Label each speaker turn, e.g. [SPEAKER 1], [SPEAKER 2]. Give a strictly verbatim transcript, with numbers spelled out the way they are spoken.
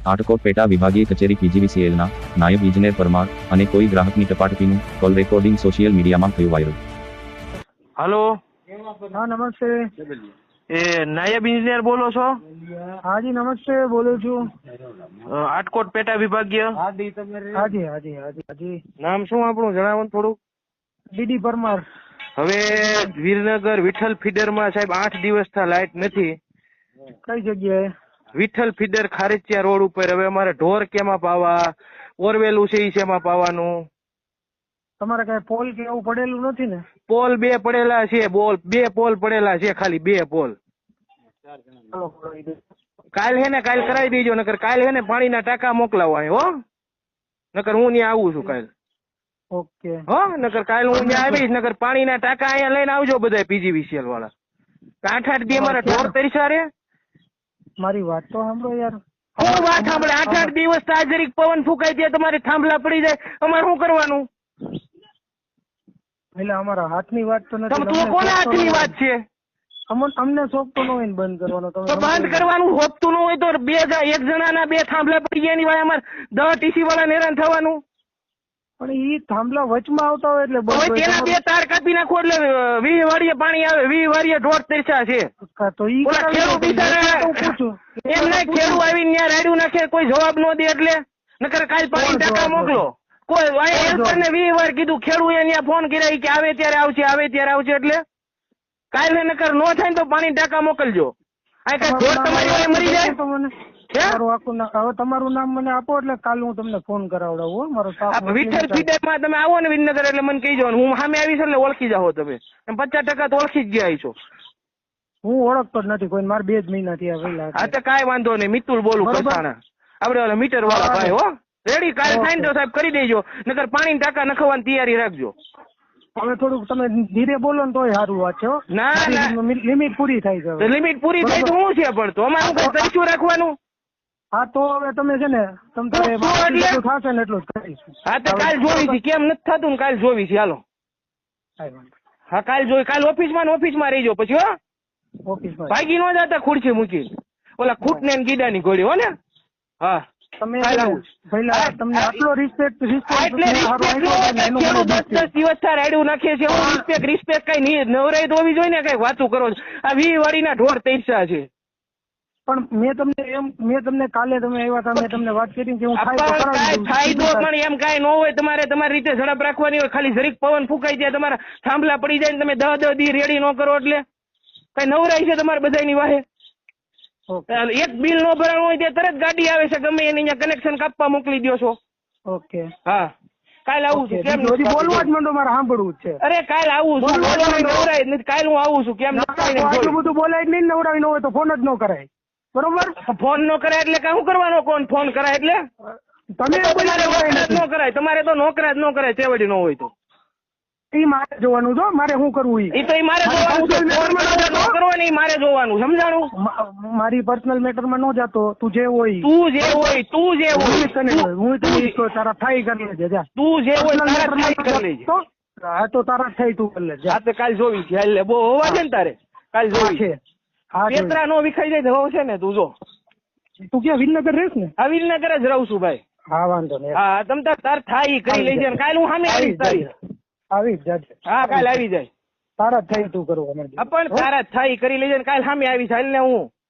[SPEAKER 1] આટકોટ પેટા વિભાગીય કચેરી પીજીવીસીએલના નાયબ ઇજનેર પરમાર અને કોઈ ગ્રાહકની ટપાટપીનું કોલ રેકોર્ડિંગ સોશિયલ મીડિયામાં થયું વાયરલ.
[SPEAKER 2] હલો,
[SPEAKER 3] હા નમસ્તે.
[SPEAKER 2] એ નાયબ ઇજનેર બોલો છો?
[SPEAKER 3] હાજી નમસ્તે, બોલું છું.
[SPEAKER 2] અ, આટકોટ પેટા વિભાગીય.
[SPEAKER 3] હાજી હાજી હાજી હાજી.
[SPEAKER 2] નામ શું આપણું જણાવો ને થોડું.
[SPEAKER 3] ડીડી પરમાર.
[SPEAKER 2] હવે વીરનગર વિઠ્ઠલ ફીડરમાં સાહેબ આઠ દિવસથી લાઇટ નથી.
[SPEAKER 3] કઈ જગ્યાએ?
[SPEAKER 2] વિઠ્ઠલ ફીડર ખારેચિયા રોડ ઉપર. હવે અમારે ઢોર કેમાં પાવા, ઓરવેલું છે ઈ શેમાં પાવાનું?
[SPEAKER 3] તમારે કઈ પોલ કે એવું પડેલું નથી ને?
[SPEAKER 2] પોલ બે પડેલા છે, બોલ બે પોલ પડેલા છે, ખાલી બે પોલ.
[SPEAKER 3] ચાલો કરાવી દો.
[SPEAKER 2] કાલ હે ને કાલ કરાવી દેજો, નકર કાલ હે ને પાણીના ટાંકા મોકલાવવા હો, નકર હું ત્યાં આવું છું કાલ.
[SPEAKER 3] ઓકે.
[SPEAKER 2] હો, નકર કાલ હું ત્યાં આવીશ, નકર પાણીના ટાંકા અહીંયા લઈને આવજો બધા પીજીવીસીએલ વાળા. આઠ આઠ દી અમારા ઢોર તરીસા રે.
[SPEAKER 3] મારી વાત તો સાંભળો યાર.
[SPEAKER 2] હું વાત સાંભળે, આઠ આઠ દિવસ તાજરીક પવન ફૂંકાઈ જાય, તમારે થાંભલા પડી જાય, અમારે શું કરવાનું?
[SPEAKER 3] એટલે અમારા હાથની વાત તો નથી.
[SPEAKER 2] તમ તું કોના હાથની વાત છે?
[SPEAKER 3] અમને અમને શોખતો ન હોય ને બંધ કરવાનો.
[SPEAKER 2] તો
[SPEAKER 3] તમે
[SPEAKER 2] બંધ કરવાનું હોતું ન હોય તો બે જણા એક જણાના બે થાંભલા પડી ગયા એની વાય અમારે દસ ટીસી વાળા હેરાન થવાનું.
[SPEAKER 3] પણ ઈ થાંભલા વચમાં આવતા હોય એટલે બંધ
[SPEAKER 2] હવે
[SPEAKER 3] હોય.
[SPEAKER 2] તેના બે તાર કાપી નાખો એટલે વીસ વાળીએ પાણી આવે, વીસ વાળીએ ઢોર તરસ્યા છે.
[SPEAKER 3] તો ઈ
[SPEAKER 2] ઓલા ખેડૂત બિચારા
[SPEAKER 3] હું પૂછું
[SPEAKER 2] એમ નહીં, ખેડૂત આવીને ત્યાં રાડ્યું નાખે, કોઈ જવાબ ન દે એટલે નકર કાલ પાણી ટાંકા મોકલો. કોઈ હેલ્પર ને વીસ વાર કીધું, ખેડૂત ત્યાં ફોન કર્યા કે આવે ત્યારે આવશે, આવે ત્યારે આવશે, એટલે કાલ ને નકર નો થાય ને તો પાણી ટાંકા મોકલજો. આ કઈ ઢોર તમારી વાળે મરી જાય.
[SPEAKER 3] તમારું આખું નામ, હવે તમારું નામ મને આપો એટલે કાલ હું તમને ફોન કરાવડાવું હો. મારો સ્ટાફ
[SPEAKER 2] વિઠ્ઠલ ફીડરમાં તમે આવો ને વિનગર એટલે મને કહી જવાનું, હું સામે આવીશ એટલે ઓળખી જાઓ તમે. પચાસ ટકા તો ઓળખી જ ગયા છો.
[SPEAKER 3] હું ઓળખતો જ નથી કોઈ, મારે બે જ મહિના થયા પહેલા.
[SPEAKER 2] હા તો કાંઈ વાંધો નહીં, મિતુલ બોલું કસાણા, આપડે ઓલા મીટર વાળા ભાઈ. હો રેડી, કાલ થાય ને તો સાહેબ કરી દેજો, નકર પાણી ટાંકા નખવાની તૈયારી રાખજો.
[SPEAKER 3] હવે થોડુંક તમે ધીરે બોલો ને તોય સારું વાત છે.
[SPEAKER 2] ના ના,
[SPEAKER 3] લિમિટ પૂરી થાય છે.
[SPEAKER 2] લિમિટ પૂરી થાય તો શું છે, પણ તો અમારે શું કઈ તરીશું રાખવાનું?
[SPEAKER 3] હા તો હવે તમે છે ને તમ તારે જેટલું થશે ને એટલું જ કરીશું.
[SPEAKER 2] હા તો કાલ જોવી છે, કેમ નથી થતું ને કાલ જોવી છે. હાલો હા કાલ જોઈ, કાલ ઓફિસમાં ને ઓફિસમાં રહીજો પછી. હો
[SPEAKER 3] ઓફિસમાં
[SPEAKER 2] ભાગી ન જતા ખુરશી મૂકી, ઓલા ખૂટ ને ગીડાની ઘોડી. હો ને હા
[SPEAKER 3] તમે પહેલા તમને આટલો રિસ્પેક્ટ રિસ્પેક્ટ
[SPEAKER 2] દિવસ રાડ્યું નાખીએ છીએ. રિસ્પેક્ટ રિસ્પેક્ટ કઈ નવરાઈ તો હોવી જોઈએ ને, કઈ વાતું કરો છો. આ વી વાળીના ઢોર તૈસા છે.
[SPEAKER 3] પણ મેં તમને એમ મેં તમને કાલે તમે આવ્યા હતા, મેં તમને વાત કરી કે હું
[SPEAKER 2] થાય તો પણ એમ કઈ ન હોય. તમારે તમારી રીતે ઝડપ રાખવાની હોય. ખાલી જરીક પવન ફૂંકાઈ જાય, તમારા થાંભલા પડી જાય ને તમે દહ દહ દી રેડી ન કરો એટલે કઈ નવરાઈ છે તમારે બધાની વાહે? એક બિલ નો ભરાણું હોય ત્યાં તરત ગાડી આવે છે, ગમે એની અહીંયા કનેક્શન કાપવા મોકલી દો છો.
[SPEAKER 3] ઓકે
[SPEAKER 2] હા કાલ આવું છું. કેમ
[SPEAKER 3] બોલવા જ માંડો, મારે સાંભળવું જ છે.
[SPEAKER 2] અરે કાલ આવું છું, નવરાય નથી. કાલ હું આવું છું. કેમ
[SPEAKER 3] આટલું બધું બોલાય જ નહીં, નવરાવી ન હોય તો ફોન જ ન કરાય. બરોબર,
[SPEAKER 2] ફોન નો કરાય એટલે શું કરવાનો? કોણ ફોન કરાય એટલે
[SPEAKER 3] તમે
[SPEAKER 2] ન કરાય. તમારે તો નોકરા જ ન કરાય, ચેવડી ન હોય તો.
[SPEAKER 3] એ મારે જોવાનું છો, મારે શું કરવું
[SPEAKER 2] એ તો મારે જોવાનું કરવાની, મારે જોવાનું. સમજાણું?
[SPEAKER 3] મારી પર્સનલ મેટર માં ન જાતો. તું જે હોય
[SPEAKER 2] તું જે હોય તું જે હોય
[SPEAKER 3] હું તને તારા થાય કરી લેજે. જા
[SPEAKER 2] તું જે હોય તારા થાય કરી લેજે.
[SPEAKER 3] હા તો તારા થાય તું કરી લેજે.
[SPEAKER 2] હા તો કાલ જોવી છે. એટલે બહુ હોવા છે ને તારે કાલ જોવી છે. પેતરા નો વિખાઈ જાય તો છે ને. તું જો
[SPEAKER 3] તું ક્યાં વિનગર રહેશ ને?
[SPEAKER 2] હા વિનગર જ રહું છું ભાઈ.
[SPEAKER 3] હા વાંધો નહીં.
[SPEAKER 2] હા તમ તાર તાર થાય કરી લેજે. કાલ હું સામે આવીશ તારી.
[SPEAKER 3] આવી જ જાજે.
[SPEAKER 2] હા કાલ આવી જાય.
[SPEAKER 3] તારા થાય તું કરવા માંડે.
[SPEAKER 2] પણ તારા થાય કરી લેજે. કાલ સામે આવીશ. હાલ ને હું